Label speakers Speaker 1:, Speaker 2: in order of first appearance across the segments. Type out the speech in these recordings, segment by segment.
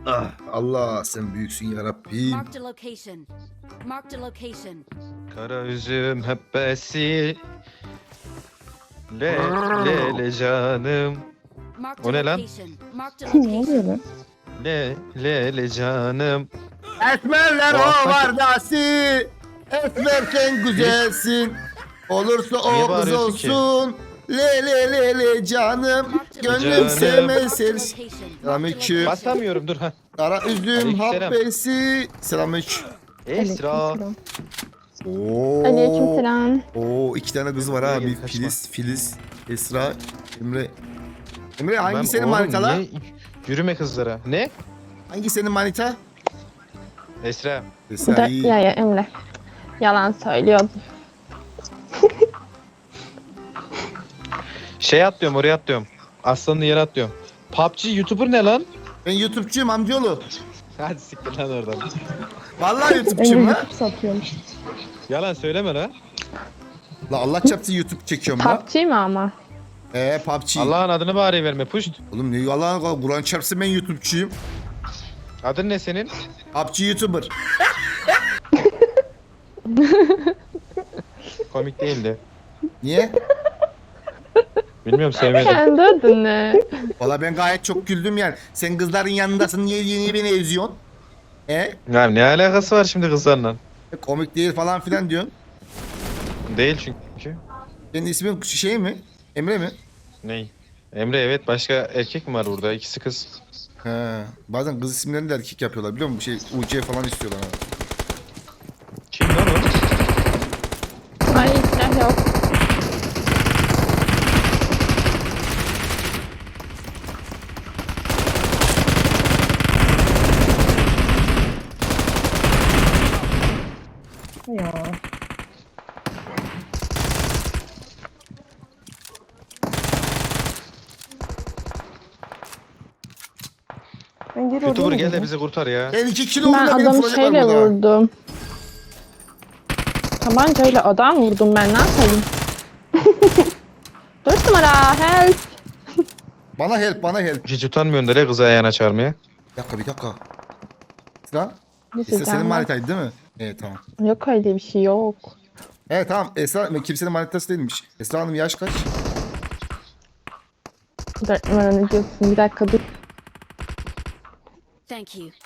Speaker 1: Ah, Allah sen büyüksün ya Rabbim.
Speaker 2: Marked a location. Marked a location.
Speaker 3: Kara üzüm hebbesi. Le le le canım.
Speaker 2: Marked
Speaker 3: O
Speaker 2: a
Speaker 3: ne lan?
Speaker 2: location. Marked a
Speaker 4: Ne oluyor
Speaker 2: location.
Speaker 4: lan?
Speaker 3: Le le le canım.
Speaker 1: Esmerler
Speaker 3: O alttaki-
Speaker 1: ovardası. Esmerken güzelsin. Olursa
Speaker 3: Niye
Speaker 1: o kız
Speaker 3: bağırıyorsun ki?
Speaker 1: olsun. Le le le le canım. Gönlüm
Speaker 3: Canım.
Speaker 1: sevmez
Speaker 2: Marked a
Speaker 1: seni.
Speaker 2: location.
Speaker 1: Selamünaleyküm.
Speaker 3: Basamıyorum dur ha.
Speaker 1: Kara üzüm
Speaker 3: Aleykümselam.
Speaker 1: habbesi. Selamünaleyküm.
Speaker 3: Esra.
Speaker 4: Aleykümselam.
Speaker 1: Oo.
Speaker 4: Aleykümselam.
Speaker 1: Oo, iki tane kız var ha.
Speaker 3: Gel,
Speaker 1: Bir
Speaker 3: kaçma.
Speaker 1: Filiz, Esra, Emre. Emre hangi
Speaker 3: Ben
Speaker 1: senin
Speaker 3: oğlum
Speaker 1: manita?
Speaker 3: niye yürüme kızlara? Ne?
Speaker 1: Hangi senin manita?
Speaker 3: Esra.
Speaker 4: Bu
Speaker 1: Esra
Speaker 4: da
Speaker 1: iyi.
Speaker 4: ya Emre. Yalan söylüyordum.
Speaker 3: Şey atlıyorum oraya atlıyorum. Aslanlı yere atlıyorum. PUBG YouTuber ne lan?
Speaker 1: Ben YouTube'cuyum amcaoğlu.
Speaker 3: Hadi siktir lan oradan.
Speaker 1: Vallahi
Speaker 4: Emre
Speaker 1: YouTube'cuyum la.
Speaker 4: YouTube satıyormuş.
Speaker 3: Yalan söyleme lan.
Speaker 1: La Allah çarpsın YouTube çekiyorum la.
Speaker 4: PUBG mi ama?
Speaker 1: PUBG.
Speaker 3: Allah'ın adını bari verme puşt.
Speaker 1: Oğlum ne yalan Kur'an çarpsın ben YouTube'cuyum.
Speaker 3: Adın ne senin?
Speaker 1: PUBG YouTuber.
Speaker 3: Komik değildi.
Speaker 1: Niye?
Speaker 3: Bilmiyorum sevmedim.
Speaker 4: Kendi adını.
Speaker 1: Valla ben gayet çok güldüm yani. Sen kızların yanındasın niye beni eziyorsun?
Speaker 3: Ya ne alakası var şimdi kızlarla?
Speaker 1: Komik değil falan filan diyorsun.
Speaker 3: Değil çünkü.
Speaker 1: Senin ismin şey mi? Emre mi?
Speaker 3: Ney? Emre evet başka erkek mi var burada? İkisi kız.
Speaker 1: He. Bazen kız isimlerini de erkek yapıyorlar biliyor musun? Şey UC falan istiyorlar. Ha.
Speaker 3: Kim lan o?
Speaker 4: Ay silah yok. Ya. Ben geri
Speaker 3: YouTuber
Speaker 4: oraya
Speaker 3: gel de
Speaker 4: gidiyorum.
Speaker 3: bizi kurtar ya.
Speaker 1: Ben 2 kilo
Speaker 4: Ben
Speaker 1: vurdum beni
Speaker 4: adamı
Speaker 1: vuracaklar
Speaker 4: şeyle
Speaker 1: burada.
Speaker 4: vurdum. Tabancayla adam vurdum ben ne yapayım? 4 numara help.
Speaker 1: Bana help.
Speaker 3: Hiç utanmıyorsun da ne kızı ayağına çağırmaya.
Speaker 1: Bir dakika. Esra?
Speaker 4: Ne
Speaker 1: Esra senin
Speaker 4: sizden var?
Speaker 1: manitaydı değil mi? Evet tamam.
Speaker 4: Yok öyle bir şey yok.
Speaker 1: Evet tamam Esra kimsenin manitası değilmiş. Esra Hanım yaş kaç?
Speaker 4: 4 numara ne diyorsun? Bir dakika dur.
Speaker 2: Thank you.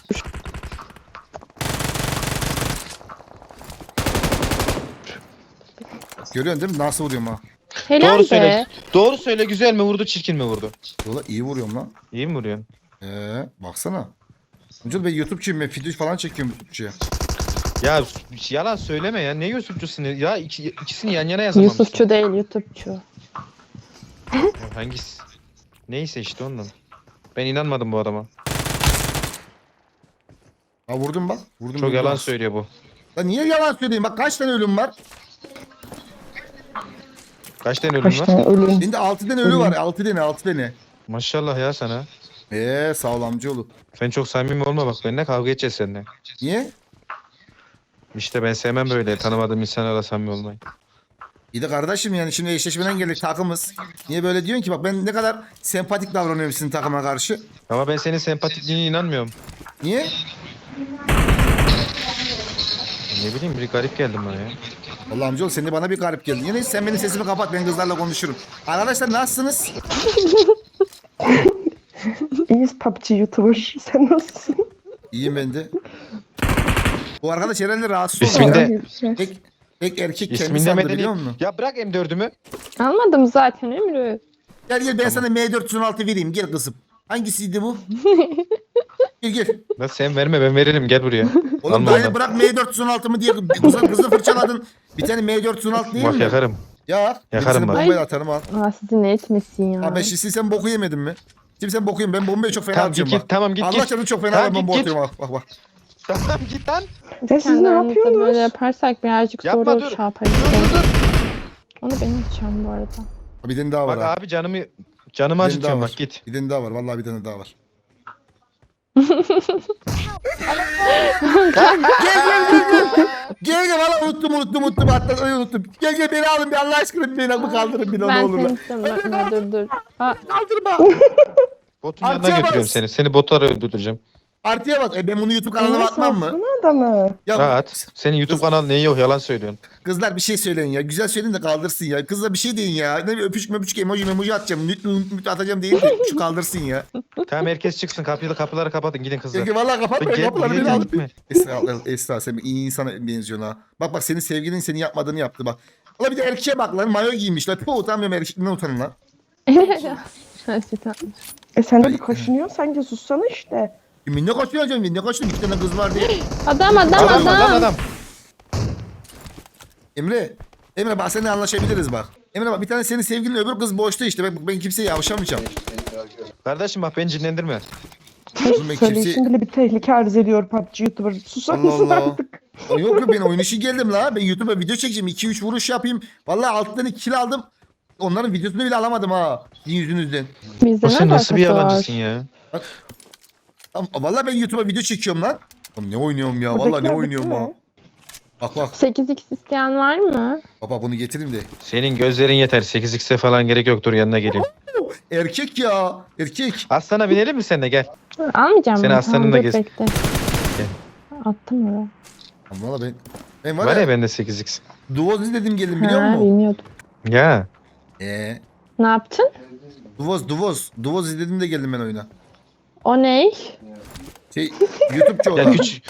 Speaker 1: Görüyorsun değil mi? Nasıl vuruyorum ha?
Speaker 4: Helal
Speaker 3: Doğru
Speaker 4: be.
Speaker 3: söyle. Doğru söyle güzel mi vurdu çirkin mi vurdu?
Speaker 1: Yola iyi vuruyorum lan.
Speaker 3: İyi mi vuruyorsun?
Speaker 1: Baksana. Önce ben YouTube'cuyum ben video falan çekiyorum YouTube'cuya.
Speaker 3: Ya yalan söyleme ya. Ne Yusufçusun ya? İkisini yan yana yazamamışsın.
Speaker 4: Yusufçu değil YouTube'çu.
Speaker 3: Ya hangisi? Neyse işte ondan. Ben inanmadım bu adama.
Speaker 1: Ha vurdum bak. Vurdum.
Speaker 3: Çok yalan söylüyor bu.
Speaker 1: Ya niye yalan söyleyeyim? Bak kaç tane ölüm var?
Speaker 3: Kaç tane ölüm
Speaker 4: Kaç
Speaker 3: var?
Speaker 4: tane ölüm.
Speaker 1: Bende 6 tane ölü var. 6 tane.
Speaker 3: Maşallah ya sana.
Speaker 1: Sağ ol amcaoğlu.
Speaker 3: Sen çok samimi olma bak benimle kavga edeceğiz seninle.
Speaker 1: Niye?
Speaker 3: İşte ben sevmem böyle tanımadığım insanlarla samimi olmayı.
Speaker 1: İyi de kardeşim yani şimdi eşleşmeden geldik takımız. Niye böyle diyorsun ki? Bak ben ne kadar sempatik davranıyorum sizin takıma karşı.
Speaker 3: Ama ben senin sempatikliğine inanmıyorum.
Speaker 1: Niye?
Speaker 3: Ne bileyim bir garip geldin bana ya.
Speaker 1: Vallahi amcaoğlu sen de bana bir garip geldin. Yine sen benim sesimi kapat ben kızlarla konuşurum. Arkadaşlar nasılsınız?
Speaker 4: İyiyiz PUBG YouTuber. Sen nasılsın?
Speaker 1: İyiyim ben de. Bu arkadaş herhalde rahatsız oldu.
Speaker 3: İsminde-
Speaker 1: ya. Tek erkek kendi
Speaker 3: İsminde
Speaker 1: sandı
Speaker 3: medeni.
Speaker 1: biliyor musun?
Speaker 3: Ya bırak M4'ümü.
Speaker 4: Almadım zaten Emre.
Speaker 1: Gel ben sana M416 vereyim gel kızım. Hangisiydi bu? Gel.
Speaker 3: La sen verme ben veririm gel buraya.
Speaker 1: Oğlum
Speaker 3: Alma
Speaker 1: daha
Speaker 3: onu.
Speaker 1: bırak M416 mı diye kızı fırçaladın. Bir tane M416 değil
Speaker 3: Bak
Speaker 1: mi?
Speaker 3: yakarım.
Speaker 1: Ya.
Speaker 3: Yakarım
Speaker 1: Seni
Speaker 3: bak.
Speaker 1: bombayla atarım al.
Speaker 4: Aa sizi ne etmesin ya.
Speaker 1: Abi şimdi sen boku yemedin mi? Şimdi sen boku yemedin. Ben bombayı çok fena
Speaker 3: Tamam git
Speaker 1: atıyorum
Speaker 3: git tamam git
Speaker 1: Allah
Speaker 3: git.
Speaker 1: canını çok fena
Speaker 3: Tamam,
Speaker 1: ben bomba
Speaker 3: git,
Speaker 1: atıyorum bak.
Speaker 3: Tamam git lan.
Speaker 4: Biz kendi aramızda böyle yaparsak birazcık
Speaker 3: Yapma,
Speaker 4: sonra
Speaker 3: dur.
Speaker 4: şey yaparız.
Speaker 3: Dur.
Speaker 4: Onu ben açacağım bu arada.
Speaker 1: Bir tane daha var
Speaker 3: Bak
Speaker 1: ha.
Speaker 3: abi canımı
Speaker 1: Bir tane daha
Speaker 3: acıtıyorum
Speaker 1: var.
Speaker 3: bak git.
Speaker 1: Bir tane daha var. Vallahi bir tane daha var. Gel valla unuttum hatta unuttum. Gel beni alın bir Allah aşkına beni kaldırın bir ne
Speaker 4: Ben
Speaker 1: olur.
Speaker 4: seni istemiyorum. Dur. Aa,
Speaker 1: Kaldırma.
Speaker 3: Botun
Speaker 1: Amcaya
Speaker 3: yanına götürüyorum
Speaker 1: bas.
Speaker 3: seni. Seni botlara öldüreceğim.
Speaker 1: Artıya bak. Ben bunu YouTube kanalıma atmam mı?
Speaker 5: Satsana adamı.
Speaker 1: Ya
Speaker 3: Rahat. Senin YouTube kanalın neyi yok yalan söylüyorsun.
Speaker 1: kızlar bir şey söyleyin ya. Güzel söyleyin de kaldırsın ya. Kızlar bir şey deyin ya. Ne bir öpücük möpücük emoji atacağım. Nüt atacağım değil de şu kaldırsın ya.
Speaker 3: Tamam herkes çıksın kapıları kapatın gidin kızlar.
Speaker 1: Çünkü vallahi kapatma
Speaker 3: Gel,
Speaker 1: kapıları
Speaker 3: gel,
Speaker 1: beni
Speaker 3: gel,
Speaker 1: al.
Speaker 3: gitme.
Speaker 1: Esra sen iyi insana benziyorsun ha. Bak senin sevgilin senin yapmadığını yaptı bak. Valla bir de erkeğe bak lan mayo giymişler. Puh utanmıyorum erkekliğinden utanın lan.
Speaker 5: Sen de bir kaşınıyorsun sanki sussana işte.
Speaker 1: Ne kaçıyorsun canım? Ne kaçıyorsun? İki tane kız var diye.
Speaker 4: Adam.
Speaker 3: Adam.
Speaker 1: Emre bak seninle anlaşabiliriz bak. Emre bak bir tane senin sevgilin öbür kız boşta işte. Ben kimseye yavşamayacağım.
Speaker 3: Kardeşim bak beni cinlendirme.
Speaker 1: Oğlum ben
Speaker 5: Söyleyişin bile bir tehlike arz ediyor PUBG YouTuber. Susar
Speaker 1: Allah
Speaker 5: mısın
Speaker 1: Allah.
Speaker 5: artık?
Speaker 1: Yok ben oyun işi geldim la. Ben YouTube'a video çekeceğim. 2-3 vuruş yapayım. Vallahi 6 tane kill aldım. Onların videosunu bile alamadım ha. Sizin yüzünüzden.
Speaker 4: Bizde
Speaker 3: O sen
Speaker 4: ne
Speaker 3: nasıl bir
Speaker 4: alakası var?
Speaker 3: yalancısın ya?
Speaker 1: Vallahi ben YouTube'a video çekiyorum lan. Oğlum ne oynuyorum ya? Vallahi ne
Speaker 5: Buradakiler
Speaker 1: oynuyorum
Speaker 5: bitti
Speaker 1: ha.
Speaker 5: mi?
Speaker 1: Bak bak.
Speaker 4: 8x isteyen var mı?
Speaker 1: Baba bunu getireyim de.
Speaker 3: Senin gözlerin yeter. 8x'e falan gerek yoktur yanına geleyim.
Speaker 1: Erkek ya. Erkek.
Speaker 3: Aslana binelim mi sen de gel.
Speaker 4: Almayacağım.
Speaker 3: Seni
Speaker 4: ben.
Speaker 3: aslanınla
Speaker 4: Dur,
Speaker 3: gez.
Speaker 4: bekle. Attım oraya.
Speaker 1: Valla ben var,
Speaker 3: Var
Speaker 1: ya
Speaker 3: ya bende 8x.
Speaker 1: Duvoz izledim geldim biliyor
Speaker 4: Ha,
Speaker 1: musun?
Speaker 4: bilmiyordum.
Speaker 3: Ya.
Speaker 4: Ne yaptın?
Speaker 1: Duvoz izledim de geldim ben oyuna.
Speaker 4: O ne?
Speaker 1: YouTube'cu o da.
Speaker 3: Ya küçük.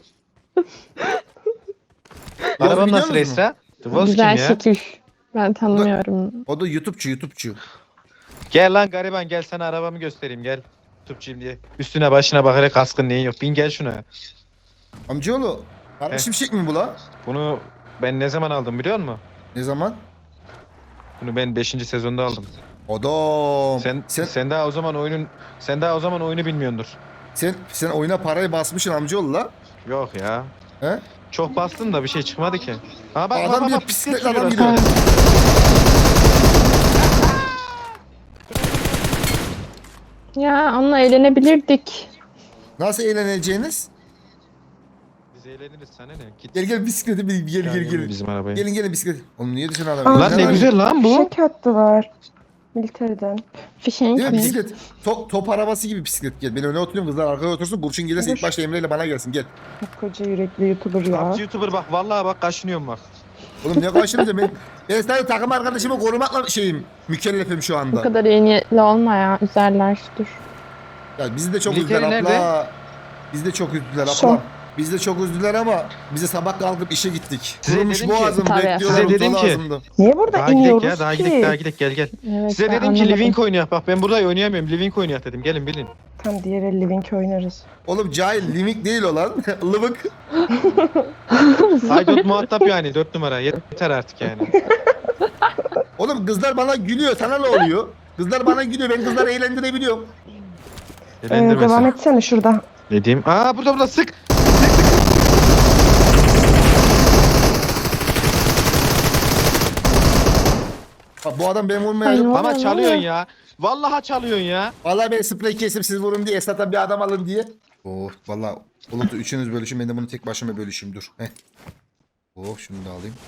Speaker 3: Arabam
Speaker 1: biliyor
Speaker 3: nasıl
Speaker 1: musun?
Speaker 3: Esra? Dıvoz kim
Speaker 4: Güzel
Speaker 3: ya?
Speaker 4: şekil. Ben tanımıyorum.
Speaker 1: O da YouTube'cu.
Speaker 3: Gel lan gariban gel sana arabamı göstereyim gel. Tutçuyum diye. Üstüne başına bakarak kaskın neyin yok. Bin gel şuna.
Speaker 1: Amcaoğlu. Kardeşim şey mi bu la?
Speaker 3: Bunu ben ne zaman aldım biliyor musun?
Speaker 1: Ne zaman?
Speaker 3: Bunu ben 5. sezonda aldım.
Speaker 1: Adam.
Speaker 3: Sen daha o zaman oyunu bilmiyordur.
Speaker 1: Sen oyuna parayı basmışsın amcaoğlu la.
Speaker 3: Yok ya.
Speaker 1: He?
Speaker 3: Çok bastın da bir şey çıkmadı ki. Ha bak
Speaker 1: Adam
Speaker 3: bak
Speaker 1: bir
Speaker 3: bak
Speaker 1: bisiklet
Speaker 3: sürüyor
Speaker 1: adam
Speaker 3: bak.
Speaker 1: gidiyor.
Speaker 4: Ya onunla eğlenebilirdik.
Speaker 1: Nasıl eğleneceğiniz?
Speaker 3: Biz eğleniriz sana ne? Git.
Speaker 1: Gel bisiklete bin gel.
Speaker 3: Bizim arabayı.
Speaker 1: Gelin bisiklet. Oğlum niye düşün adam?
Speaker 5: Aa,
Speaker 3: Lan ne güzel lan bu.
Speaker 5: Fişek hattı var. Militeriden.
Speaker 4: Fişenk
Speaker 1: Değil mi
Speaker 4: mi?
Speaker 1: bisiklet? Top arabası gibi bisiklet gel. Ben öne oturuyorum kızlar arkaya otursun. Burçin gelirse ilk başta Emre ile bana gelsin gel.
Speaker 5: Koca yürekli YouTuber ya.
Speaker 3: PUBG YouTuber bak vallahi bak kaşınıyorum bak.
Speaker 1: Oğlum ne karşılayacağım ben sadece takım arkadaşımı korumakla mükellefim şu
Speaker 4: Bu
Speaker 1: anda.
Speaker 4: kadar iyi niyetli olma ya. Üzerler dur.
Speaker 1: Ya bizi de çok
Speaker 3: Militeri
Speaker 1: üzdüler
Speaker 3: nerede?
Speaker 1: abla. Bizi de çok üzdüler
Speaker 5: Son.
Speaker 1: abla. Bizi de çok üzdüler ama bize sabah kalkıp işe gittik.
Speaker 3: Size
Speaker 1: Kurumuş
Speaker 3: dedim ki-
Speaker 1: boğazım
Speaker 4: Tabii.
Speaker 1: bekliyorlar.
Speaker 3: Size dedim
Speaker 1: uzalı
Speaker 3: ki-
Speaker 1: ağzımda.
Speaker 5: Niye burada
Speaker 3: Daha gidek
Speaker 5: iniyoruz
Speaker 3: ya daha
Speaker 5: ki?
Speaker 3: gidek gel.
Speaker 4: Evet,
Speaker 3: Size
Speaker 4: ben
Speaker 3: dedim ki
Speaker 4: anlamadım.
Speaker 3: Living oynayak bak ben burada oynayamıyorum. Living oynayak dedim gelin bilin.
Speaker 5: Tam diğer el Living oynarız.
Speaker 1: Oğlum cahil limik değil o lan. Lıvık.
Speaker 3: Haydut muhatap yani 4 numara yeter artık yani.
Speaker 1: Oğlum kızlar bana gülüyor. Sana ne oluyor? Kızlar bana gülüyor. Ben kızları eğlendirebiliyorum.
Speaker 5: Devam
Speaker 3: Eğlendirmesin.
Speaker 5: etsene şurada.
Speaker 3: Ne diyeyim? Aa burada sık.
Speaker 1: Bak, bu adam benim
Speaker 4: Ay,
Speaker 1: vurmaya...
Speaker 4: ne
Speaker 3: Ama
Speaker 4: oluyor,
Speaker 3: çalıyorsun
Speaker 4: ne oluyor?
Speaker 3: ya. Vallahi çalıyorsun ya.
Speaker 1: Vallahi ben sprey kesip siz vurun diye Esat'a bir adam alın diye. Oh vallahi Bulut'u üçünüz bölüşün ben de bunu tek başıma bölüşeyim dur. Heh. Oh şunu da alayım.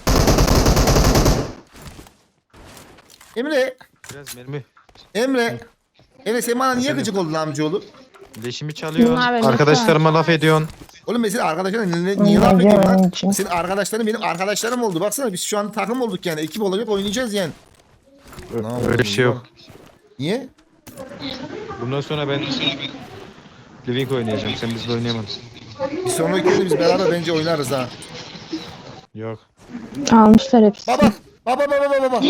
Speaker 1: Emre.
Speaker 3: Biraz mermi.
Speaker 1: Emre sen bana niye gıcık oldun amcaoğlu?
Speaker 3: Leşimi çalıyorsun.
Speaker 4: Bunlar benim
Speaker 3: Arkadaşlarıma laf ediyorsun.
Speaker 1: Oğlum mesela arkadaşlarına niye laf
Speaker 5: Aman
Speaker 1: ediyorsun lan?
Speaker 5: yavrucuğum.
Speaker 1: Senin arkadaşların benim arkadaşlarım oldu. Baksana biz şu an takım olduk yani. Ekip olacak oynayacağız yani. Ne
Speaker 3: Öyle bir şey yok.
Speaker 1: Niye?
Speaker 3: Bundan sonra ben Living oynayacağım. Sen bizle oynayamadın.
Speaker 1: Bir sonraki oyunu biz beraber bence oynarız ha.
Speaker 3: Yok.
Speaker 4: Almışlar hepsi.
Speaker 1: Baba.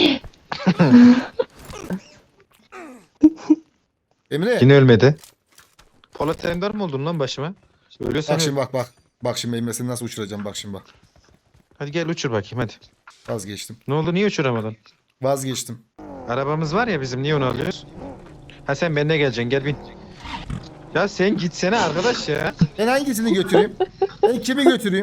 Speaker 1: Emre.
Speaker 3: Yine ölmedi. Polat Ender mi oldun lan başıma? Ölüyorsan
Speaker 1: Bak
Speaker 3: öl.
Speaker 1: şimdi bak. Bak şimdi Emre seni nasıl uçuracağım bak şimdi bak.
Speaker 3: Hadi gel uçur bakayım hadi.
Speaker 1: Vazgeçtim.
Speaker 3: Ne oldu niye uçuramadın?
Speaker 1: Vazgeçtim.
Speaker 3: Arabamız var ya bizim niye onu alıyoruz? Ha sen benimle geleceksin gel bin. Ya sen gitsene arkadaş ya.
Speaker 1: Ben hangisini götüreyim? Ben kimi götüreyim?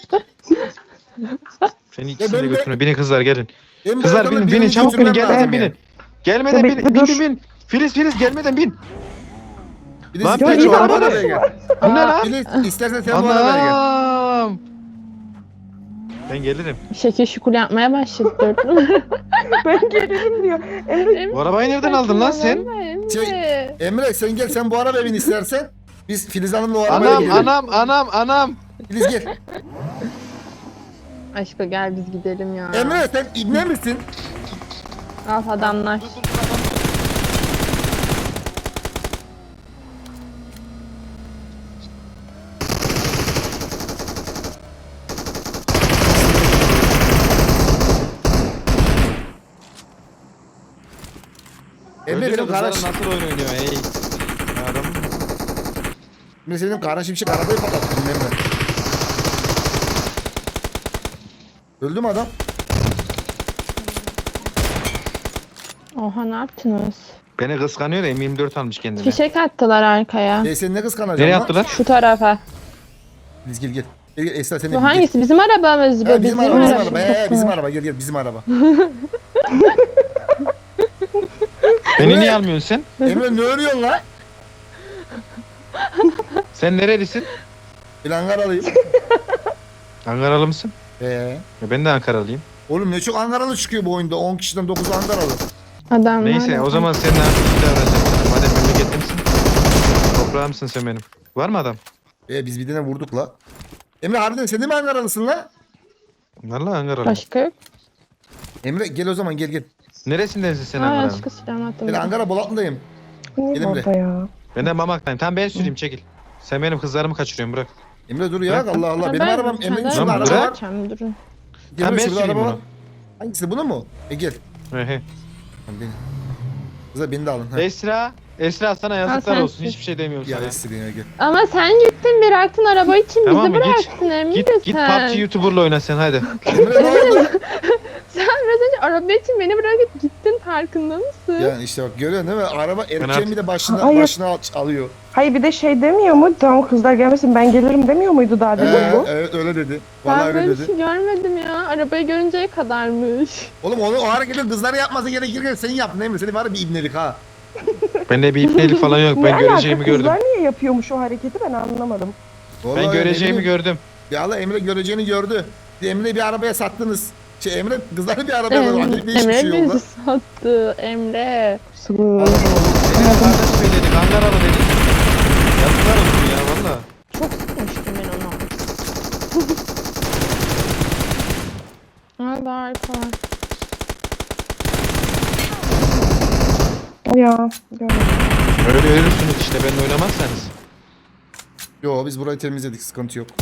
Speaker 3: Seni ikisini
Speaker 1: ben
Speaker 3: de
Speaker 1: de-
Speaker 3: götürün. Binin kızlar gelin.
Speaker 1: Emre
Speaker 3: Kızlar
Speaker 1: adamı
Speaker 3: binin
Speaker 1: birini
Speaker 3: binin çabuk binin
Speaker 1: götürmem
Speaker 3: gelmeden
Speaker 1: lazım yani.
Speaker 3: binin. Gelmeden
Speaker 5: Ya
Speaker 3: bin
Speaker 5: bekle,
Speaker 3: bin
Speaker 5: dur.
Speaker 3: bin. Filiz gelmeden bin.
Speaker 1: Filiz,
Speaker 3: Lan
Speaker 1: gel
Speaker 3: Filiz,
Speaker 1: şu
Speaker 3: o
Speaker 1: arabaya
Speaker 3: araba ne?
Speaker 1: gel.
Speaker 3: Bu ne lan?
Speaker 1: Filiz istersen sen bu arabaya gel.
Speaker 3: Anam. Ben gelirim.
Speaker 4: Şekil şukul yapmaya başladı.
Speaker 5: Ben gelirim diyor. Emre
Speaker 3: Bu arabayı nereden aldın lan sen?
Speaker 1: Emre sen gel sen bu arabaya bin istersen. Biz Filiz Hanım'la o arabaya gidelim.
Speaker 3: Anam.
Speaker 1: Filiz gel.
Speaker 4: Aşkım gel biz gidelim ya.
Speaker 1: Emre sen ibne misin?
Speaker 4: Al adamlar.
Speaker 1: Emre benim
Speaker 3: kızların
Speaker 1: kardeş.
Speaker 3: nasıl oyun oynuyor ey. Adam.
Speaker 1: Emre senin kara şimşek arabayı patlattın Emre. Öldü mü adam?
Speaker 4: Oha ne yaptınız?
Speaker 3: Beni kıskanıyor da M24 almış kendine.
Speaker 4: Fişek attılar arkaya.
Speaker 1: Sen ne kıskanacaksın
Speaker 3: Nereye
Speaker 1: lan?
Speaker 3: attılar?
Speaker 4: Şu tarafa.
Speaker 1: Filiz gel gel. Gel gel Esra sen de
Speaker 4: Bu
Speaker 1: gel.
Speaker 4: hangisi? Bizim arabamız
Speaker 1: Ha,
Speaker 4: be.
Speaker 1: bizim
Speaker 4: Bizim
Speaker 1: araba, bizim
Speaker 4: araba.
Speaker 1: araba. Bizim araba. Gel gel bizim araba.
Speaker 3: Beni niye almıyorsun sen?
Speaker 1: Emre ne örüyorsun lan?
Speaker 3: Sen nerelisin?
Speaker 1: Ben Ankaralıyım.
Speaker 3: Ankaralı mısın? Ya ben de Ankaralıyım.
Speaker 1: Oğlum ne çok Ankaralı çıkıyor bu oyunda. 10 kişiden 9'u Ankaralı.
Speaker 4: Adamlar.
Speaker 3: Neyse o zaman senin artık davranacağım. Madem memleketlimsin. Toprağımsın sen benim. Var mı adam?
Speaker 1: Biz bir tane vurduk la. Emre harbiden sen de mi Ankaralısın la?
Speaker 3: Vallahi Ankaralı.
Speaker 4: Başka yok.
Speaker 1: Emre gel o zaman gel.
Speaker 3: Neresindensin sen
Speaker 4: Aa
Speaker 3: Ankara'nın?
Speaker 4: aşkı silahımı attım.
Speaker 1: Ben Ankara Bolatlı'dayım.
Speaker 5: Niye
Speaker 1: Gelin
Speaker 5: orada ya?
Speaker 3: Ben de Mamak'tayım. Tamam ben süreyim çekil. Sen benim kızlarımı kaçırıyorsun bırak.
Speaker 1: Emre dur ya Allah Allah. Benim arabam Emre'nin şurada
Speaker 3: Lan
Speaker 1: araba
Speaker 3: bırak.
Speaker 1: var.
Speaker 4: Durun.
Speaker 1: Emre
Speaker 3: ben
Speaker 1: şurada
Speaker 3: süreyim
Speaker 1: araba var.
Speaker 3: bunu.
Speaker 1: Hangisi bunu mu? Gel.
Speaker 3: Ehe.
Speaker 1: Tamam, beni. Kıza beni de alın. Ha.
Speaker 3: Esra sana yazıklar
Speaker 4: sen
Speaker 3: olsun.
Speaker 4: sür.
Speaker 3: Hiçbir şey demiyorum
Speaker 1: Ya
Speaker 3: sana.
Speaker 1: Esra'ya gel.
Speaker 4: Ama sen gittin bıraktın araba için
Speaker 3: Tamam
Speaker 4: bizi
Speaker 3: mı? Git.
Speaker 4: bıraktın emin
Speaker 3: Git
Speaker 4: misin?
Speaker 3: PUBG YouTuber'la oyna sen hadi.
Speaker 1: Emre ne oldu?
Speaker 4: Sen biraz önce araba için beni bırakıp gittin farkında mısın?
Speaker 1: Yani işte bak görüyorsun değil mi? Araba erkeğin
Speaker 3: artık-
Speaker 1: bir de
Speaker 5: Hayır.
Speaker 1: başına alıyor.
Speaker 5: Hayır bir de şey demiyor mu? Tamam kızlar gelmesin ben gelirim demiyor muydu daha demin bu?
Speaker 1: Evet öyle dedi. Vallahi
Speaker 4: Ben
Speaker 1: öyle
Speaker 4: böyle bir
Speaker 1: dedi.
Speaker 4: şey görmedim ya. Arabayı görünceye kadarmış.
Speaker 1: Oğlum onu o hareketi kızlara yapması gerekirken sen yaptın değil mi? Senin var ya bir ibnelik ha.
Speaker 3: Bende bir ipnelik falan yok.
Speaker 5: Ne
Speaker 3: Ben
Speaker 5: alaka
Speaker 3: göreceğimi gördüm.
Speaker 5: kızlar niye yapıyormuş o hareketi ben anlamadım.
Speaker 1: Vallahi
Speaker 3: Ben
Speaker 1: öyle
Speaker 3: göreceğimi
Speaker 1: bileyim.
Speaker 3: gördüm.
Speaker 1: Ya Allah Emre göreceğini gördü. Emre'yi bir arabaya sattınız. Emre kızları bir arabaya sattı. Acayip değişik bir
Speaker 4: Emre
Speaker 1: şey oldu.
Speaker 4: bizi sattı. Emre.
Speaker 5: Sığ.
Speaker 3: Senin kardeş söyledik Ankaralı dedik. Yazıklar olsun ya valla.
Speaker 4: Çok sıkmıştım ben onu. Aa daha arka var.
Speaker 5: Ya görmedim.
Speaker 3: Öyle ölürsünüz işte benimle oynamazsanız.
Speaker 1: Yo biz burayı temizledik sıkıntı yok.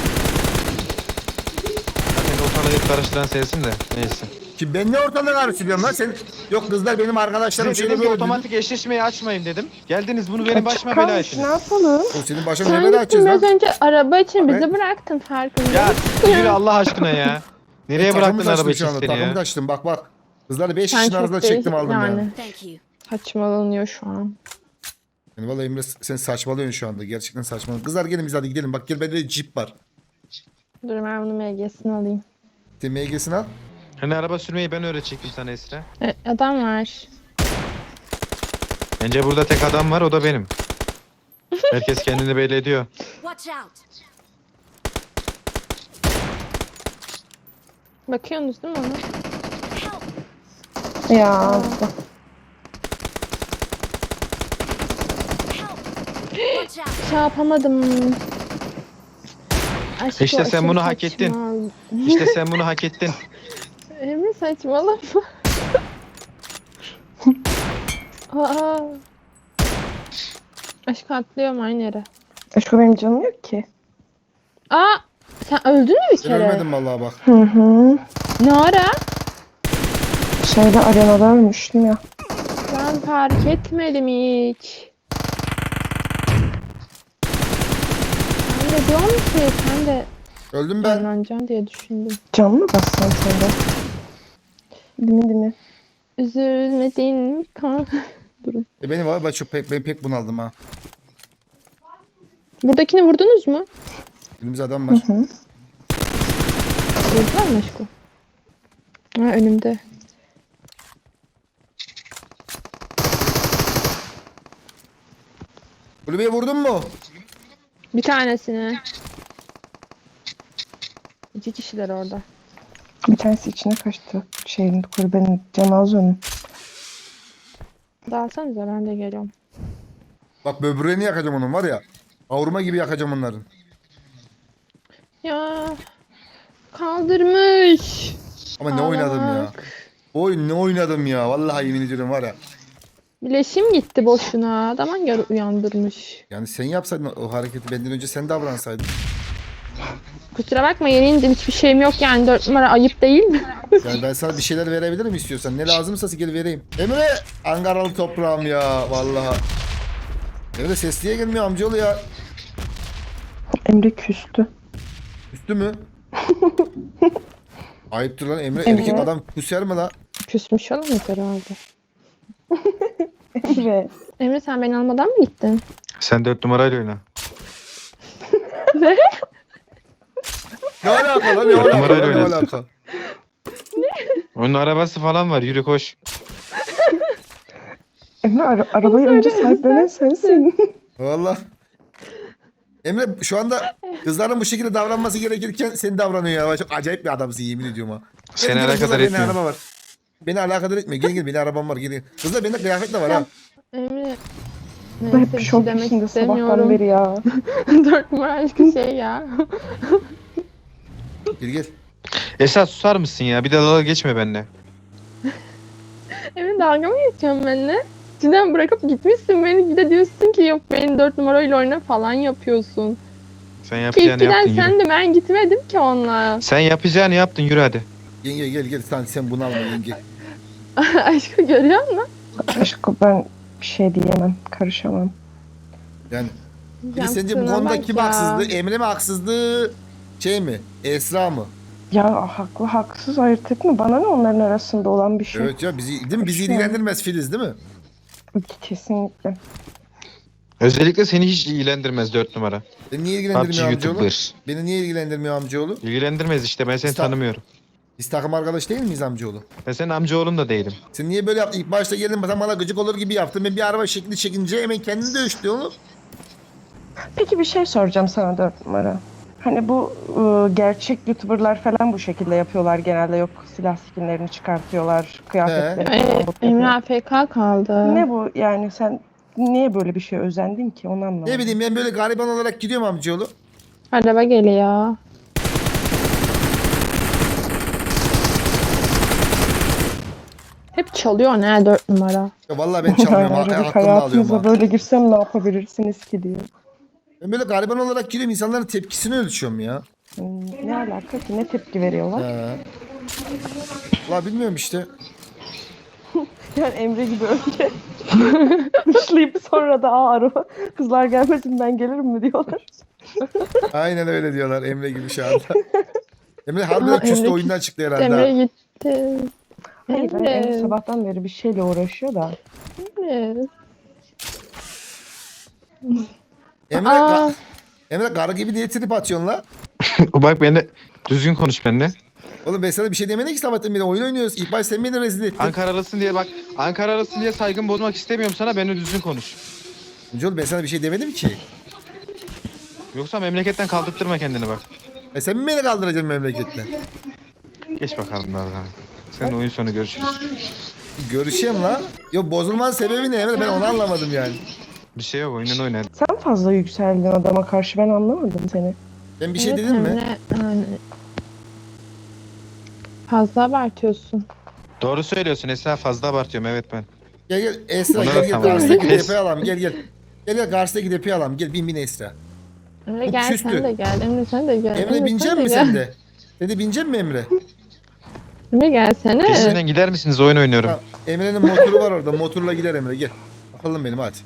Speaker 3: Zaten ortalığı hep karıştıran sensin de neyse.
Speaker 1: Ki ben ne ortalığı karıştırıyorum lan sen? Yok kızlar benim arkadaşlarım
Speaker 3: Size
Speaker 1: şöyle
Speaker 3: dedim ki
Speaker 1: böyle
Speaker 3: otomatik eşleşmeyi açmayın dedim. Geldiniz bunu benim
Speaker 5: Açık
Speaker 3: başıma bela
Speaker 5: kalmış,
Speaker 3: ettiniz.
Speaker 5: ne yapalım?
Speaker 1: O senin başına
Speaker 4: Sen
Speaker 1: ne bela
Speaker 4: gittin
Speaker 1: açacağız
Speaker 4: biraz
Speaker 1: lan?
Speaker 4: önce araba için
Speaker 1: Abi.
Speaker 4: bizi bıraktın farkında
Speaker 3: Ya
Speaker 4: mısın?
Speaker 3: yürü Allah aşkına ya. Nereye
Speaker 1: Takımı
Speaker 3: bıraktın
Speaker 1: taştım
Speaker 3: arabayı
Speaker 1: şu anda,
Speaker 3: seni
Speaker 1: takımı
Speaker 3: ya?
Speaker 1: taştım bak. Kızları 5
Speaker 4: Sen
Speaker 1: kişinin
Speaker 4: çok
Speaker 1: arasında çektim
Speaker 4: değişik
Speaker 1: aldım yani.
Speaker 4: yani.
Speaker 2: Thank you.
Speaker 4: Saçmalanıyor şu an.
Speaker 1: Yani vallahi Emre sen saçmalıyorsun şu anda. Gerçekten saçmalıyorsun. Kızlar gelin biz hadi gidelim. Bak gel bende de Jeep var.
Speaker 4: Dur ben bunu MG'sini alayım.
Speaker 1: Sen MG'sini al.
Speaker 3: Hani araba sürmeyi ben öğretecektim sana Esra.
Speaker 4: Adam var.
Speaker 3: Bence burada tek adam var o da benim. Herkes kendini belli ediyor.
Speaker 2: Watch out.
Speaker 4: Bakıyorsunuz değil mi ona?
Speaker 2: Help.
Speaker 5: Ya
Speaker 2: Watch out.
Speaker 4: Şey yapamadım. Aşk
Speaker 3: İşte
Speaker 4: o
Speaker 3: sen
Speaker 4: aşırı
Speaker 3: bunu hak ettin.
Speaker 4: saçma.
Speaker 3: İşte sen bunu hak ettin.
Speaker 4: Emre saçmalama. Aa. Aşk atlıyorum aynı yere.
Speaker 5: aşkım benim canım yok ki.
Speaker 4: Aa! Sen öldün mü bir
Speaker 1: Ben
Speaker 4: kere?
Speaker 1: ölmedim vallahi bak.
Speaker 5: Hı hı.
Speaker 4: Ne ara?
Speaker 5: Şeyde arenada ölmüştüm ya.
Speaker 4: Ben fark etmedim hiç. Ben de diyorum ki sen de
Speaker 1: Öldüm ben.
Speaker 4: canlanacaksın diye düşündüm.
Speaker 5: Can mı bassan sen de? Değil mi?
Speaker 4: Üzülmedin mi kan? Durun.
Speaker 1: Benim var ben pek bunaldım ha.
Speaker 4: Buradakini vurdunuz mu?
Speaker 1: Elimizde adam var.
Speaker 5: Hı.
Speaker 4: Vurdular mı aşkım? Ha önümde.
Speaker 1: Kulübeye vurdun mu?
Speaker 4: Bir tanesini. 2 kişiler orada.
Speaker 5: Bir tanesi içine kaçtı. Şeyin kulübenin canı az onun.
Speaker 4: Dağılsanıza ben de geliyorum.
Speaker 1: Bak böbreğini yakacağım onun var ya. Kavurma gibi yakacağım onların.
Speaker 4: Ya kaldırmış.
Speaker 1: Ama ne oynadım ya.
Speaker 4: Bak.
Speaker 1: Oyun ne oynadım ya. Vallahi yemin ediyorum var ya.
Speaker 4: Bileşim gitti boşuna. Adam göre uyandırmış.
Speaker 1: Yani sen yapsaydın o hareketi benden önce sen davransaydın.
Speaker 4: Kusura bakma yeniyince hiçbir şeyim yok yani 4 numara ayıp değil mi?
Speaker 1: Yani ben sana bir şeyler verebilirim istiyorsan. Ne lazımsa gel vereyim. Emre Ankaralı toprağım ya vallahi. Emre sesliye gelmiyor amcaoğlu ya.
Speaker 5: Emre küstü.
Speaker 1: Üstü mü? Ayıptır lan Emre.
Speaker 5: Emre.
Speaker 1: Erkek adam küser mi la?
Speaker 4: Küsmüş olamaz herhalde.
Speaker 5: Emre.
Speaker 4: Emre sen beni almadan mı gittin?
Speaker 3: Sen 4 numarayla oyna.
Speaker 1: Ne alaka lan ne alaka
Speaker 3: Numarayla
Speaker 1: lan, ne
Speaker 3: oynasın.
Speaker 1: alaka?
Speaker 3: Onun arabası falan var. Yürü koş.
Speaker 5: Emre arabayı önce sahiplenen sensin.
Speaker 1: Valla. Emre şu anda kızların bu şekilde davranması gerekirken sen davranıyor ya. Çok acayip bir adamsın yemin ediyorum ha.
Speaker 3: Seni
Speaker 1: Gel, gel,
Speaker 3: alakadar
Speaker 1: kızlar, benim
Speaker 3: etmiyor.
Speaker 1: araba var. Beni alakadar etmiyor. Gel benim arabam var gel. Kızlar bende kıyafet de var ha.
Speaker 4: Emre.
Speaker 5: Hep
Speaker 4: Neyse bir şey
Speaker 5: şok
Speaker 4: demek
Speaker 5: içinde sabahtan
Speaker 4: istemiyorum.
Speaker 5: beri ya.
Speaker 4: 4 numara aşkı şey ya.
Speaker 1: Gel gel.
Speaker 3: Esat susar mısın ya? Bir de dalga geçme benimle.
Speaker 4: Emre dalga mı geçiyorsun benimle? Cidden bırakıp gitmişsin beni bir de diyorsun ki yok beni 4 numarayla oyna falan yapıyorsun.
Speaker 3: Sen
Speaker 4: Ki
Speaker 3: yapacağını
Speaker 4: ilkiden
Speaker 3: yaptın yürü.
Speaker 4: sen de ben gitmedim ki onunla.
Speaker 3: Sen yapacağını yaptın yürü hadi.
Speaker 1: Yenge gel sen bunu alma yenge.
Speaker 4: Aşkı görüyor musun?
Speaker 5: Aşkım ben bir şey diyemem. Karışamam.
Speaker 1: Yani bir de sence bu
Speaker 4: Yaptığına
Speaker 1: konuda
Speaker 4: bak
Speaker 1: kim
Speaker 4: ya.
Speaker 1: haksızdı? Emre mi haksızdı? Şey mi? Esra mı?
Speaker 5: Ya haklı haksız ayırt etme. Bana ne onların arasında olan bir şey.
Speaker 1: Evet ya bizi değil mi? Bizi
Speaker 5: Şu an-
Speaker 1: ilgilendirmez Filiz değil mi?
Speaker 5: Kesinlikle.
Speaker 3: Özellikle seni hiç ilgilendirmez 4 numara.
Speaker 1: Beni niye
Speaker 3: PUBG
Speaker 1: ilgilendirmiyor amcaoğlu?
Speaker 3: YouTuber.
Speaker 1: Beni niye ilgilendirmiyor amcaoğlu?
Speaker 3: İlgilendirmez işte ben seni
Speaker 1: Usta.
Speaker 3: tanımıyorum.
Speaker 1: Biz takım arkadaş değil miyiz amcaoğlu?
Speaker 3: Ben senin amcaoğlun da değilim.
Speaker 1: Sen niye böyle yaptın? İlk başta geldin sen bana gıcık olur gibi yaptın. Ben bir araba şekli çekince hemen kendini dövüştü oğlum.
Speaker 5: Peki bir şey soracağım sana 4 numara. Hani bu gerçek YouTuber'lar falan bu şekilde yapıyorlar genelde. Yok silah skinlerini çıkartıyorlar, kıyafetleri falan
Speaker 4: Emre
Speaker 5: bakıyorlar.
Speaker 4: AFK kaldı.
Speaker 5: Ne bu yani sen niye böyle bir şey özendin ki onu anlamadım.
Speaker 1: Ne bileyim ben böyle gariban olarak gidiyorum amcaoğlu.
Speaker 4: Araba geliyor. Hep çalıyor ne 4 numara.
Speaker 1: Ya vallahi ben çalmıyorum.
Speaker 5: Ayrıca
Speaker 1: Aklımda alıyorum
Speaker 5: hayatınıza
Speaker 1: ha.
Speaker 5: böyle girsem ne yapabilirsiniz ki diyor.
Speaker 1: Ben böyle gariban olarak gidiyorum. İnsanların tepkisini ölçüyorum ya.
Speaker 5: Ne alaka ki ne tepki veriyorlar?
Speaker 1: He. Valla bilmiyorum işte.
Speaker 5: Yani Emre gibi önce dışlayıp sonra da araba kızlar gelmesin ben gelirim mi diyorlar.
Speaker 1: Aynen öyle diyorlar Emre gibi şu anda. Emre harbiden
Speaker 4: Aa,
Speaker 1: küstü
Speaker 4: Emre
Speaker 1: oyundan çıktı herhalde.
Speaker 4: Emre
Speaker 1: ha.
Speaker 4: gitti.
Speaker 5: Hayır ben Emre
Speaker 4: Emre.
Speaker 5: sabahtan beri bir şeyle uğraşıyor da.
Speaker 4: Emre.
Speaker 1: Emre,
Speaker 4: Aa.
Speaker 1: Emre karı gibi diye trip atıyorsun la.
Speaker 3: Bak benimle düzgün konuş benimle.
Speaker 1: Oğlum ben sana bir şey demedim ki sabahtan beri oyun oynuyoruz. İlk baş sen beni rezil ettin.
Speaker 3: Ankaralısın diye bak. Ankaralısın diye saygın bozmak istemiyorum sana. Benimle düzgün konuş.
Speaker 1: Amcaoğlu ben sana bir şey demedim ki.
Speaker 3: Yoksa memleketten kaldırtırma kendini bak.
Speaker 1: Sen mi beni kaldıracaksın memleketten?
Speaker 3: Geç bakalım Nazan. Senin oyun sonu görüşürüz.
Speaker 1: Görüşeyim la. Yok bozulmanın sebebi ne Emre? Ben onu anlamadım yani.
Speaker 3: Bir şey yok oyununu oyna.
Speaker 5: Sen fazla yükseldin adama karşı ben anlamadım seni.
Speaker 1: Ben bir şey
Speaker 4: Evet,
Speaker 1: dedim mi?
Speaker 4: Emre, yani fazla abartıyorsun.
Speaker 3: Doğru söylüyorsun Esra, fazla abartıyorum evet ben.
Speaker 1: Gel gel Esra
Speaker 3: Ona
Speaker 1: gel
Speaker 3: da
Speaker 1: gel
Speaker 3: tamam.
Speaker 1: karşıdaki
Speaker 3: Pes.
Speaker 1: depoyu alalım gel gel. Gel gel karşıdaki depoyu alalım gel bin Esra.
Speaker 4: Emre
Speaker 1: Bu
Speaker 4: gel
Speaker 1: küstü.
Speaker 4: sen de gel. Emre sen de gel.
Speaker 1: Emre binecek mi
Speaker 4: gel.
Speaker 1: sen de? Sen de binecek mi Emre?
Speaker 4: Emre gelsene.
Speaker 3: Peşinden gider misiniz, oyun oynuyorum.
Speaker 1: Tamam. Emre'nin motoru var orada. Motorla gider Emre gel. Bakalım benim hadi.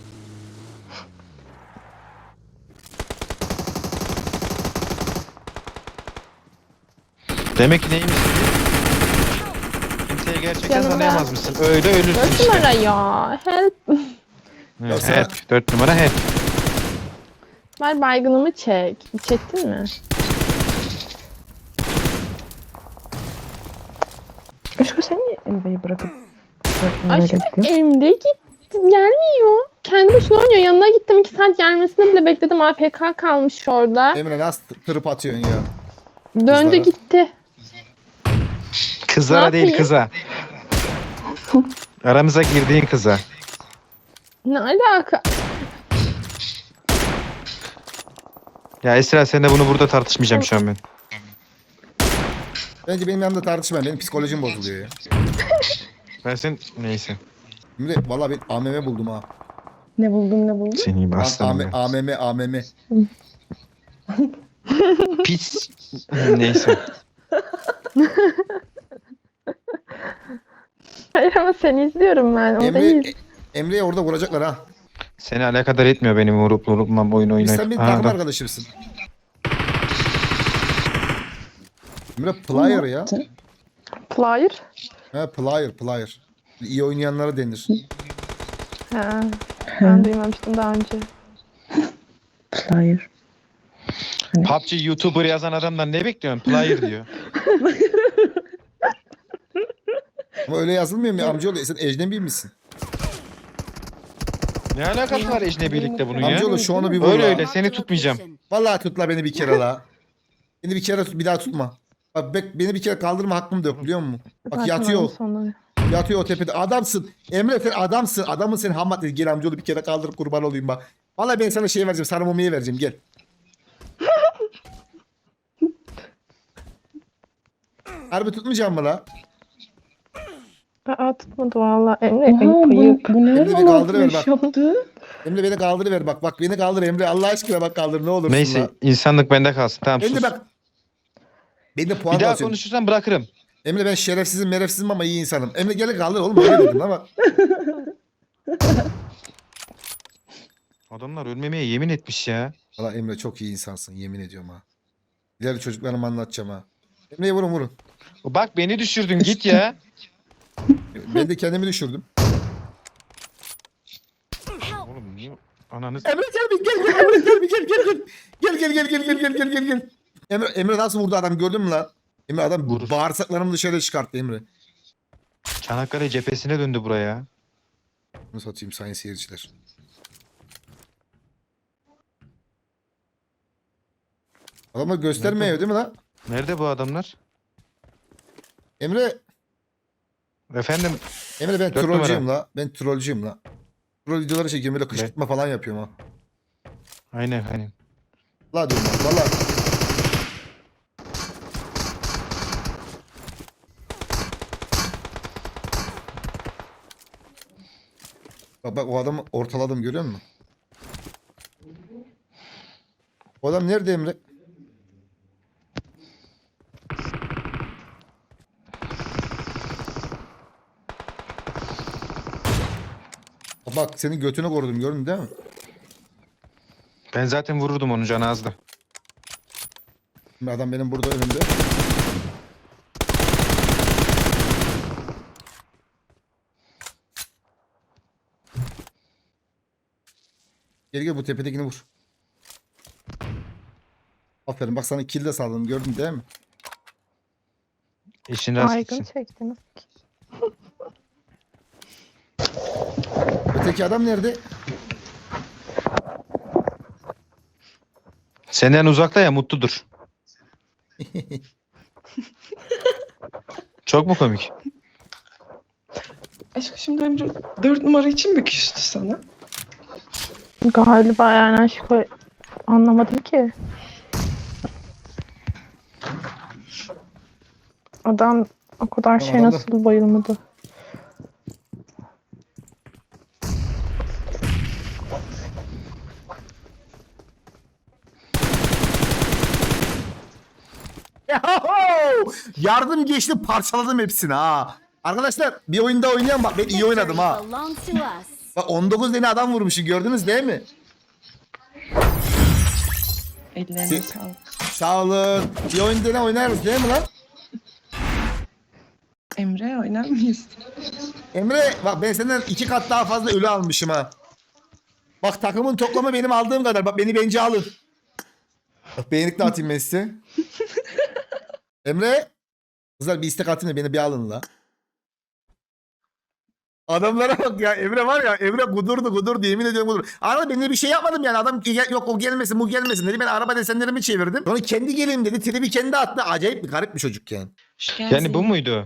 Speaker 3: Demek ki neymiş? Kimseye gerçekten
Speaker 4: Yanımda.
Speaker 3: tanıyamazmışsın. Öyle ölürsün
Speaker 4: 4
Speaker 3: işte.
Speaker 4: numara ya. Help.
Speaker 3: Evet,
Speaker 1: Yoksa-
Speaker 3: help. 4 numara help.
Speaker 4: Ver baygınımı çek. Çektin mi?
Speaker 5: Aşkım sen niye Emre'yi bırakıp böyle
Speaker 4: Aşkım
Speaker 5: gittin?
Speaker 4: Emre gitti. Gelmiyor. Kendi başına oynuyor. Yanına gittim 2 saat gelmesini bile bekledim. AFK kalmış orada.
Speaker 1: Emre nasıl tırıp atıyorsun ya?
Speaker 4: Döndü
Speaker 1: kızlara.
Speaker 4: gitti.
Speaker 3: Kızlara
Speaker 4: Ne
Speaker 3: değil
Speaker 4: yapayım?
Speaker 3: kıza. Aramıza girdiğin kıza.
Speaker 4: Ne alaka?
Speaker 3: Ya Esra sen de bunu burada tartışmayacağım şu an ben.
Speaker 1: Bence benim yanımda tartışma. Benim psikolojim bozuluyor ya.
Speaker 3: Ben sen neyse.
Speaker 1: Şimdi valla ben AMM buldum ha.
Speaker 5: Ne buldun?
Speaker 3: Seni
Speaker 1: Lan
Speaker 3: aslanım ben.
Speaker 1: AMM.
Speaker 3: Pis. Neyse.
Speaker 4: Hayır ama seni izliyorum ben. O değil.
Speaker 1: Emre'yi orada vuracaklar ha.
Speaker 3: Seni alakadar etmiyor benim vurup vurupmam oyun
Speaker 1: Biz
Speaker 3: oynayıp.
Speaker 1: sen benim
Speaker 3: Ha,
Speaker 1: takım
Speaker 3: adam.
Speaker 1: arkadaşımsın. Emre player ya.
Speaker 4: Player.
Speaker 1: Ha player. İyi oynayanlara denir.
Speaker 4: Ha. Ben duymamıştım daha önce.
Speaker 5: Player.
Speaker 3: PUBG YouTuber yazan adamdan ne bekliyorsun? Player diyor.
Speaker 1: Ama öyle yazılmıyor mu amcaoğlu? Sen ecnebi misin?
Speaker 3: Ne alakası var ecnebilikle bunun ya?
Speaker 1: Amcaoğlu şu onu bir vur
Speaker 3: Öyle
Speaker 1: la.
Speaker 3: öyle seni tutmayacağım.
Speaker 1: Vallahi tut la beni bir kere la. Beni bir kere tut, bir daha tutma. Bak beni bir kere kaldırma hakkım da yok biliyor musun? Bak
Speaker 4: Zaten
Speaker 1: yatıyor.
Speaker 4: onun sonu.
Speaker 1: Yatıyor o tepede. Adamsın. Emre sen adamsın. Adamın seni ham maddesi. Gel amcaoğlu bir kere kaldırıp kurban olayım bak. Vallahi ben sana şey vereceğim. Sarı mumiye vereceğim. Gel. Harbi tutmayacağım mı la?
Speaker 4: Aa tutmadı valla. Emre
Speaker 5: Aa,
Speaker 4: ayıp.
Speaker 5: bu ne
Speaker 1: Emre bir kaldırıver
Speaker 5: iş
Speaker 1: bak.
Speaker 5: yaptı?
Speaker 1: Emre beni kaldırıver bak. Bak beni kaldır Emre. Allah aşkına bak kaldır ne olursun
Speaker 3: Neyse
Speaker 1: la.
Speaker 3: insanlık bende kalsın. Tamam
Speaker 1: Emre
Speaker 3: sus.
Speaker 1: bak. Beni de puan
Speaker 3: Bir daha
Speaker 1: alsın.
Speaker 3: konuşursan bırakırım.
Speaker 1: Emre ben şerefsizim merefsizim ama iyi insanım. Emre gel kaldır oğlum öyle dedim ama.
Speaker 3: Adamlar ölmemeye yemin etmiş ya.
Speaker 1: Valla Emre çok iyi insansın yemin ediyorum ha. İleri çocuklarıma anlatacağım ha. Emre'ye vurun.
Speaker 3: Bak beni düşürdün git ya.
Speaker 1: Ben de kendimi düşürdüm.
Speaker 3: Oğlum niye ananız...
Speaker 1: Emre gel bir gel Emre gel bir gel. Gel. Emre nasıl vurdu adam gördün mü lan? Emre adam
Speaker 3: Vurur.
Speaker 1: bağırsaklarımı dışarı çıkarttı Emre.
Speaker 3: Çanakkale cephesine döndü buraya.
Speaker 1: Bunu satayım sayın seyirciler. Adamlar göstermiyor değil mi lan?
Speaker 3: Nerede bu adamlar?
Speaker 1: Emre
Speaker 3: Efendim
Speaker 1: ben
Speaker 3: Dört
Speaker 1: trollcüyüm la. Ben trollcüyüm la. Troll videoları çekiyorum böyle kışkırtma falan yapıyorum ha.
Speaker 3: aynen.
Speaker 1: La diyorum lan valla. Bak o adamı ortaladım görüyor musun? O adam nerede Emre? Bak senin götünü korudum gördün değil mi?
Speaker 3: Ben zaten vururdum onu canı azdı.
Speaker 1: Şimdi adam benim burada önümde. Gel bu tepedekini vur. Aferin bak sana kill de sağladım gördün değil mi?
Speaker 3: İşin rast
Speaker 4: Baygın
Speaker 3: gitsin.
Speaker 4: çektiniz.
Speaker 1: Öteki adam nerede?
Speaker 3: Senden uzakta ya mutludur. Çok mu komik?
Speaker 5: Aşkım şimdi Emre 4 numara için mi küstü sana?
Speaker 4: Galiba yani aşkı anlamadım ki. Adam o kadar
Speaker 1: Tamam,
Speaker 4: şey
Speaker 1: adam da-
Speaker 4: nasıl bayılmadı.
Speaker 1: Yahu! Yardım geçti parçaladım hepsini ha. Arkadaşlar bir oyunda oynayan bak ben iyi oynadım ha.
Speaker 2: Victory belongs to us.
Speaker 1: Bak 19 tane adam vurmuşum gördünüz değil mi?
Speaker 5: Ellerine sağlık.
Speaker 1: Sağ olun. Bir oyun dene oynarız değil mi lan?
Speaker 5: Emre oynar mıyız?
Speaker 1: Emre bak ben senden 2 kat daha fazla ölü almışım ha. Bak takımın toplamı benim aldığım kadar. Bak beni bence alın. Bak beğenlik de atayım ben size. Emre. Kızlar bir istek atayım da beni bir alın la. Adamlara bak ya Emre var ya Emre kudurdu yemin ediyorum kudurdu. Arada ben de bir şey yapmadım yani adam yok o gelmesin bu gelmesin dedi ben araba desenlerimi çevirdim. Sonra kendi geleyim dedi tribi kendi attı acayip bir garip bir çocuk yani.
Speaker 3: Yani bu muydu?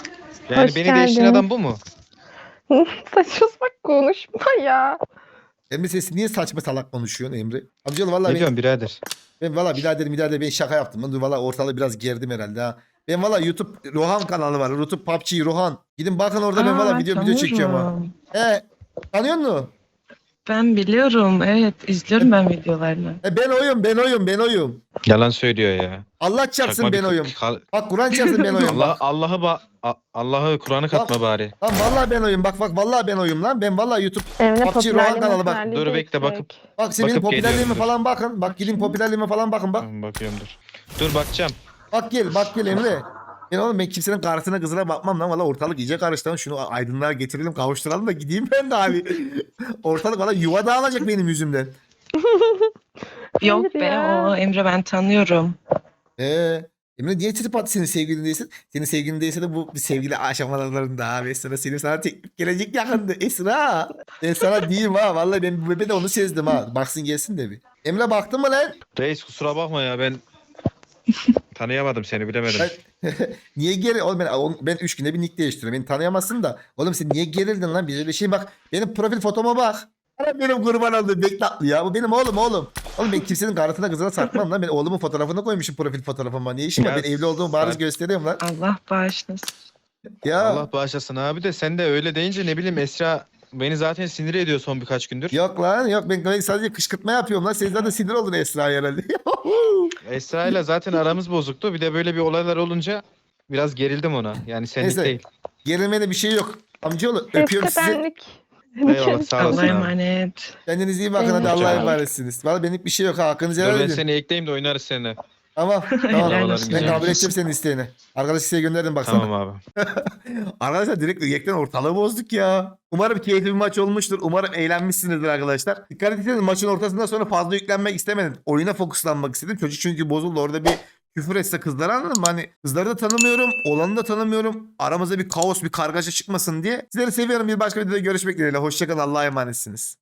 Speaker 3: Yani
Speaker 4: Hoş
Speaker 3: beni değiştiren
Speaker 4: geldin.
Speaker 3: adam bu mu?
Speaker 4: Saçma sapan konuşma ya.
Speaker 1: Emre sesi niye saçma salak konuşuyorsun Emre? Amcaoğlu valla
Speaker 3: Ne diyorsun birader?
Speaker 1: ben valla birader ben şaka yaptım. Ben valla ortalığı biraz gerdim herhalde ha. Ben valla YouTube Rohan kanalı var. YouTube PUBG Rohan. Gidin bakın orada ben valla video çekiyorum ha.
Speaker 5: tanıyorum.
Speaker 1: Tanıyor musun?
Speaker 5: Ben biliyorum, evet. izliyorum ben videolarını.
Speaker 1: Ben oyum.
Speaker 3: Yalan söylüyor ya.
Speaker 1: Allah çarpsın
Speaker 3: Çakma
Speaker 1: ben
Speaker 3: bir
Speaker 1: oyum. Bak Kur'an çarpsın ben oyum. Bak.
Speaker 3: Allah'ı Kur'an'ı katma bari.
Speaker 1: Lan vallahi ben oyum. Bak vallahi ben oyum lan. Ben vallahi YouTube.
Speaker 4: Emre
Speaker 1: PUBG Rohan kanalı bak.
Speaker 4: popülerliği
Speaker 3: Dur,
Speaker 4: de
Speaker 3: bekle,
Speaker 4: yüksek.
Speaker 3: bakıp-
Speaker 1: Bak senin
Speaker 3: Bakıp
Speaker 1: popülerliğime
Speaker 3: geliyorum, dur.
Speaker 1: falan bakın. Bak gidin popülerliğime falan bakın bak.
Speaker 3: Tamam, bakıyorum dur. Dur bakacağım.
Speaker 1: Bak gel Emre. Ben kimsenin karısına kızına bakmam lan. Valla ortalık iyice karıştı lan. Şunu aydınlığa getirelim kavuşturalım da gideyim ben de abi. Ortalık valla yuva dağılacak benim yüzümden.
Speaker 5: Yok
Speaker 4: Hayır
Speaker 5: be,
Speaker 4: ya.
Speaker 5: o Emre ben tanıyorum.
Speaker 1: Emre niye trip attı senin sevgilin değilsin? Senin sevgilin değilse de bu bir sevgili aşamalarında abi. Esra sana teklif gelecek yakında. Esra. Ben sana diyeyim ha. Vallahi ben bu bebe de onu sezdim ha. Baksın gelsin de bir. Emre baktın mı lan?
Speaker 3: Reis kusura bakma ya, ben tanıyamadım seni, bilemedim.
Speaker 1: Niye geri? Oğlum ben 3 günde bir nick değiştiriyorum. Beni tanıyamazsın da. Oğlum sen niye gerildin lan? Bir öyle şey bak. Benim profil fotoma bak. Ana benim kurban olduğum beklatlı ya. Bu benim oğlum. Oğlum ben kimsenin karısına kızına sarkmam lan. Ben oğlumun fotoğrafını koymuşum profil fotoğrafıma. Niye işim var?
Speaker 3: Ya
Speaker 1: Ben evli olduğumu bariz
Speaker 3: sen-
Speaker 1: gösteriyorum lan.
Speaker 5: Allah bağışlasın.
Speaker 1: Ya.
Speaker 3: Allah bağışlasın abi, de sen de öyle deyince ne bileyim, Esra beni zaten sinir ediyor son birkaç gündür.
Speaker 1: Yok lan yok ben sadece kışkırtma yapıyorum lan. Sen zaten sinir oldun Esra'ya herhalde.
Speaker 3: Esra ile zaten aramız bozuktu. Bir de böyle bir olaylar olunca biraz gerildim ona. Yani senlik
Speaker 1: Neyse.
Speaker 3: değil.
Speaker 1: Gerilmede bir şey yok. Amcaoğlu
Speaker 4: Ses
Speaker 1: öpüyorum sizi.
Speaker 4: kapenlik.
Speaker 3: Eyvallah, sağ olasın
Speaker 5: Allah'a
Speaker 3: abi.
Speaker 5: emanet.
Speaker 1: Kendinize iyi bakın hadi
Speaker 4: Benim
Speaker 1: Allah'a
Speaker 3: çok.
Speaker 1: emanetsiniz. Valla benlik bir şey yok ha. Hakkınızı
Speaker 3: Dur
Speaker 1: helal
Speaker 3: ben
Speaker 1: edin.
Speaker 3: seni ekleyeyim de oynarız seninle.
Speaker 1: Tamam.
Speaker 5: Helal
Speaker 1: Tamam.
Speaker 5: olsun.
Speaker 1: Ben
Speaker 3: güzel.
Speaker 1: kabul edeceğim senin isteğini. Arkadaş size gönderdim baksana.
Speaker 3: Tamam abi.
Speaker 1: Arkadaşlar direkt yekten ortalığı bozduk ya. Umarım keyifli bir maç olmuştur. Umarım eğlenmişsinizdir arkadaşlar. Dikkat etseniz maçın ortasından sonra fazla yüklenmek istemedim. Oyuna fokuslanmak istedim. Çocuk çünkü bozuldu. Orada bir küfür etse kızlara, anladın mı? Hani kızları da tanımıyorum. Olanı da tanımıyorum. Aramızda bir kaos, bir kargaşa çıkmasın diye. Sizleri seviyorum. Bir başka videoda görüşmek dileğiyle. Hoşçakalın. Allah'a emanetsiniz.